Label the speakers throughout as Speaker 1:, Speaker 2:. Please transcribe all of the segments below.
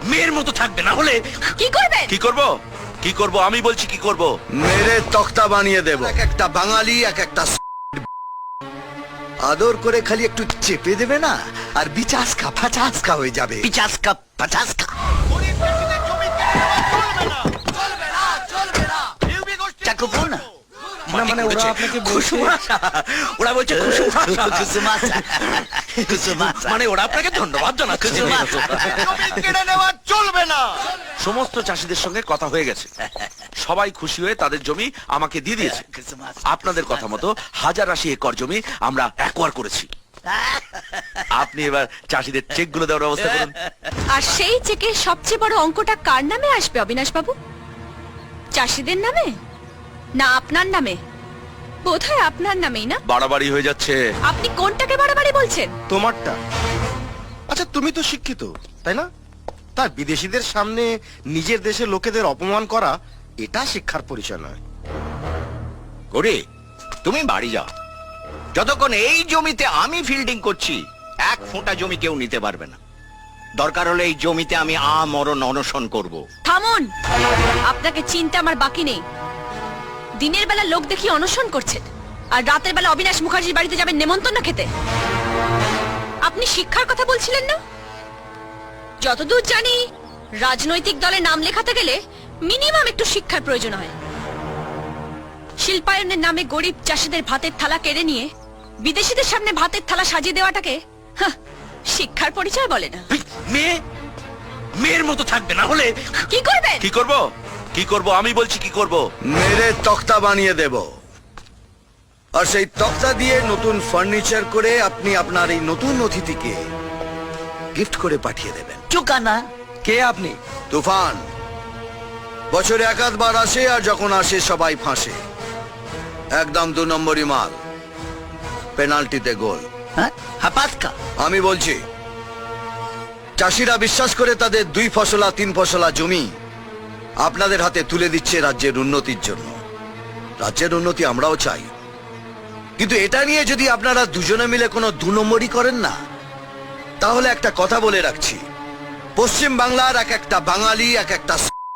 Speaker 1: মেয়ের মতো থাকবে, না হলে
Speaker 2: কি করবেন?
Speaker 1: কি করব? কি করব আমি বলছি, কি করব?
Speaker 3: মেরে তক্তা বানিয়ে দেব। এক একটা বাঙালি, এক একটা আদর করে খালি একটু চেপে দেবে না, আর বিচাসকা ফাচাসকা হয়ে যাবে।
Speaker 4: পিচাসকা পাচাসকা। চাকু ফোন না।
Speaker 1: মানে ওরা আপনাকে ওরা বলছে মানে ওরা আপনাকে ধন্যবাদ জানাচ্ছে।
Speaker 3: কেড়ে নেওয়া চলবে না।
Speaker 1: সমস্ত চাষীদের সঙ্গে কথা হয়ে গেছে, সবাই খুশি হয়ে তাদের জমি আমাকে দিয়ে দিয়েছে। আপনাদের কথা মতো 1080 একর জমি আমরা অ্যাকোয়ার করেছি। আপনি এবার চাষীদের চেক গুলো দেওয়ার ব্যবস্থা করুন।
Speaker 2: আর সেই চেকের সবচেয়ে বড় অঙ্কটা কার নামে আসবে অবিনাশ বাবু? চাষীদের নামে না আপনার নামে? বোধহয় আপনার নামেই না?
Speaker 1: বাড়াবাড়ি হয়ে যাচ্ছে।
Speaker 2: আপনি কোনটাকে বাড়াবাড়ি বলছেন?
Speaker 5: তোমারটা। আচ্ছা, তুমি তো শিক্ষিত, তাই না? তাই বিদেশিদের সামনে নিজের দেশের লোকেদের অপমান করা, এটা শিক্ষার পরিচয় নয়।
Speaker 4: গড়ে তুমি বাড়ি যাও। যতক্ষণ এই জমিতে আমি ফিল্ডিং করছি, এক ফোঁটা জমি কেউ নিতে পারবে না। দরকার হলে এই জমিতে আমি আমরণ অনশন করব।
Speaker 2: থামুন, আপনাকে চিন্তা আমার বাকি নেই। দিনের বেলা লোক দেখি অনশন করছেন, আর রাতের বেলা অবিনাশ মুখার্জির বাড়িতে যাবেন নেমন্তন্ন খেতে। আপনি শিক্ষার কথা বলছিলেন না? যতদূর জানি রাজনৈতিক দলে নাম লেখাতে গেলে মিনিমাম একটু শিক্ষার প্রয়োজন হয়। শিল্পায়নের নামে গরিব চাষীদের ভাতের থালা কেড়ে নিয়ে বিদেশিদের সামনে ভাতের থালা সাজিয়ে দেওয়াটাকে শিক্ষার পরিচয় বলে না।
Speaker 1: মেয়ের মতো থাকবে, না হলে
Speaker 2: কি করবেন?
Speaker 1: কি করব? কি করব আমি বলছি, কি করব?
Speaker 3: মেরে তক্তা বানিয়ে দেব, আর সেই তক্তা দিয়ে নতুন ফার্নিচার করে আপনি আপনার এই নতুন অতিথিকে গিফট করে পাঠিয়ে দেবেন।
Speaker 4: চুকানা।
Speaker 1: কে আপনি?
Speaker 3: তুফান। বছরে একাধবার আসে, আর যখন আসে সবাই ফাঁসে। একদম 2 নম্বরই মাল, পেনাল্টিতে গোল।
Speaker 4: হ্যাঁ, হাপাসকা।
Speaker 3: আমি বলছি, চাষিরা বিশ্বাস করে তাদের 2 ফসলা 3 ফসলা জমি আপনাদের হাতে তুলে দিচ্ছে রাজ্যের উন্নতির জন্য। রাজ্যের উন্নতি আমরাও চাই, কিন্তু এটা নিয়ে যদি আপনারা দুজনে মিলে কোনো 2 নম্বরই করেন না, তাহলে একটা কথা বলে রাখছি, পশ্চিম বাংলার এক একটা বাঙালি, এক একটা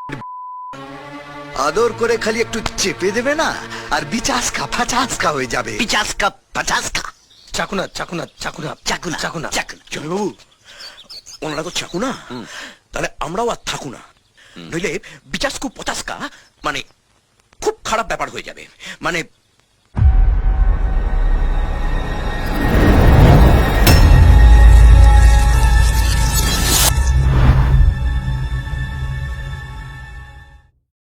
Speaker 3: আদর করে খালি একটু চেপে দেবে না, আর বিচাসকা ফাচাসকা হয়ে যাবে।
Speaker 4: পিচাসকা পাচাসকা।
Speaker 1: চাকুনা চাকুনা চাকুনা
Speaker 4: চাকুনা
Speaker 1: চাকুনা
Speaker 4: চাকুনা।
Speaker 1: বাবু, ওনারা তো চাকুনা, তাহলে আমরাও আর থাকুনা, নইলে বিচাসকু পচাসকা মানে খুব খারাপ ব্যাপার হয়ে যাবে। মানে